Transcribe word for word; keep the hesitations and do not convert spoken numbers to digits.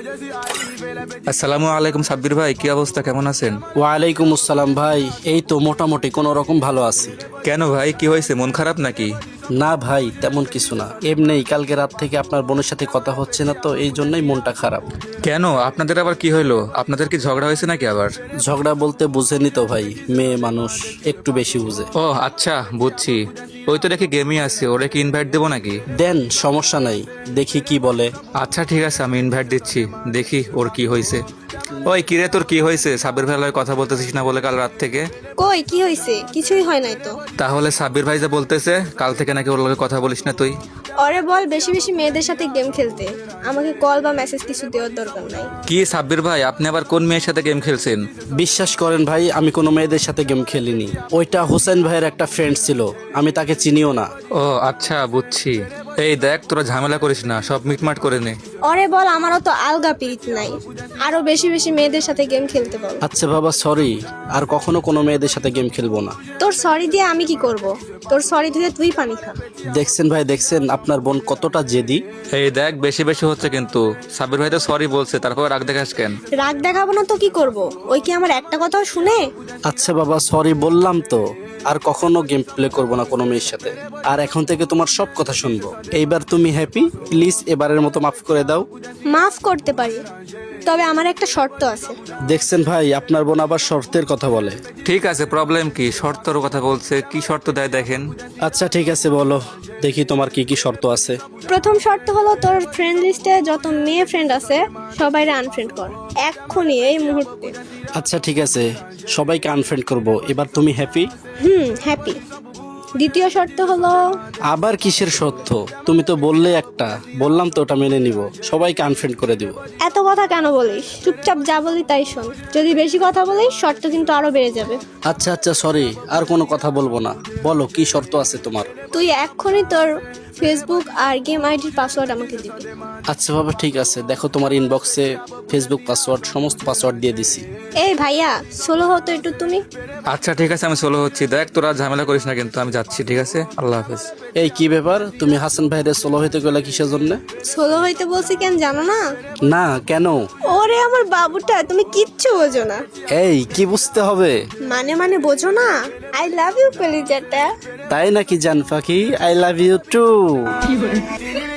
আসসালামু আলাইকুম সাব্বির ভাই, কি অবস্থা, কেমন আছেন? ওয়ালাইকুম আসসালাম ভাই, এই তো মোটামুটি কোনো রকম ভালো আছি। কেন ভাই, কি হয়েছে, মন খারাপ নাকি? না ভাই, তেমন কিছু না, এমনিই কালকে রাত থেকে আপনার বোনের সাথে কথা হচ্ছে না, তো এই জন্যই মনটা খারাপ। কেন, আপনাদের আবার কি হইলো? আপনাদের কি ঝগড়া হয়েছে নাকি আবার? ঝগড়া বলতে বুঝেনি তো ভাই, মেয়ে মানুষ একটু বেশি বুঝে। ও আচ্ছা, বুঝছি। ওই তো দেখি গেমই আছে, ওরে কি ইনভাইট দেবো নাকি? দেন, সমস্যা নাই, দেখি কি বলে। আচ্ছা ঠিক আছে, আমি ইনভাইট দিচ্ছি, দেখি ওর কি হয়েছে। ওই কিরে, তোর কি হয়েছে? সাব্বির ভাইয়ের লগে কথা বলতেছিস না বলে কাল রাত থেকে? কই কি হয়েছে? কিছুই হয় নাই তো। তাহলে সাব্বির ভাই যা বলতেছে কাল থেকে নাকি ওর লগে কথা বলিস না তুই? ওরে বল বেশি বেশি মেয়েদের সাথে গেম খেলতে, আমাকে কল বা মেসেজ কিছু দেওয়ার দরকার নাই। কি সাব্বির ভাই, আপনি আবার কোন মেয়ের সাথে গেম খেলছেন? বিশ্বাস করেন ভাই, আমি কোনো মেয়েদের সাথে গেম খেলিনি। ওইটা হোসেন ভাইয়ের একটা ফ্রেন্ড ছিল, আমি তাকে চিনিও না। ও আচ্ছা, বুঝছি। এই দেখ, তোরা ঝামেলা করিস না, সব মিটমাট করে নে। ওরে বল আমারও তো আলগা পিরিত নাই, আরো বেশি বেশি মেয়েদের সাথে গেম খেলতে বল। আচ্ছা বাবা, সরি, আর কখনো কোনো মেয়েদের সাথে গেম খেলবো না। তোর সরি দিয়ে আমি কি করব? তোর সরি দিয়ে তুই পানি খা। দেখছেন ভাই, দেখছেন আপনার বোন কতটা জেদি। এই দেখ, বেশি বেশি হচ্ছে কিন্তু। সাব্বির ভাই তো সরি বলছে, তারপর রাগ দেখাস কেন? রাগ দেখাবো না তো কি করব? ওই কি আমার একটা কথাও শুনে? আচ্ছা বাবা, সরি বললাম তো, আর কখনো গেম প্লে করবো না কোনো মেয়ের সাথে, আর এখন থেকে তোমার সব কথা শুনবো। এইবার তুমি হ্যাপি? প্লিজ এবারের মতো মাফ করে দাও। মাফ করতে পারি, তবে আমার একটা শর্ত আছে। দেখছেন ভাই, আপনার বোন আবার শর্তের কথা বলে। ঠিক আছে, প্রবলেম কি? শর্তর কথা বলছে, কি শর্ত দেয় দেখেন। আচ্ছা ঠিক আছে, বলো দেখি তোমার কি কি শর্ত আছে। প্রথম শর্ত হলো তোর ফ্রেন্ড লিস্টে যত মেয়ে ফ্রেন্ড আছে সবাইরে আনফ্রেন্ড কর, এক্ষুনি, এই মুহূর্তে। আচ্ছা ঠিক আছে, সবাইকে আনফ্রেন্ড করব। এবার তুমি হ্যাপি? হুম, হ্যাপি। দ্বিতীয় শর্ত হলো আবার কিসের সত্য? তুমি তো বললে একটা, বললাম তো ওটা মেনে নিব, সবাইকে আনফ্রেন্ড করে দিব। এত কথা কেন বলিস? চুপচাপ যা বলি তাই শোন। যদি বেশি কথা বলিস শর্ত কিন্তু আরো বেড়ে যাবে। আচ্ছা আচ্ছা, সরি, আর কোনো কথা বলবো না। বলো কি শর্ত আছে তোমার। তুই এক্ষুনি তোর ফেসবুক আর গেম আইডির পাসওয়ার্ড আমাকে দিবি। আচ্ছা বাবা ঠিক আছে, দেখো তোমার ইনবক্সে ফেসবুক পাসওয়ার্ড, সমস্ত পাসওয়ার্ড দিয়ে দিছি। এই ভাইয়া, সোলো হতো একটু তুমি। আচ্ছা ঠিক আছে, আমি সোলো হচ্ছি। দেখ, তোরা ঝামেলা করিস না কিন্তু, আমি যাচ্ছি, ঠিক আছে? আল্লাহ হাফেজ। এই কি ব্যাপার, তুমি হাসান ভাইরে সোলো হইতে গেলে কিসের জন্য? সোলো হইতে বলছি কেন জানো না? না, কেন? ওরে আমার বাবুটা, তুমি কিচ্ছু বোঝো না। এই কি বুঝতে হবে? মানে মানে বোঝো না? আই লাভ ইউ কলিজাটা। তাই নাকি জান পাখি? I love you two.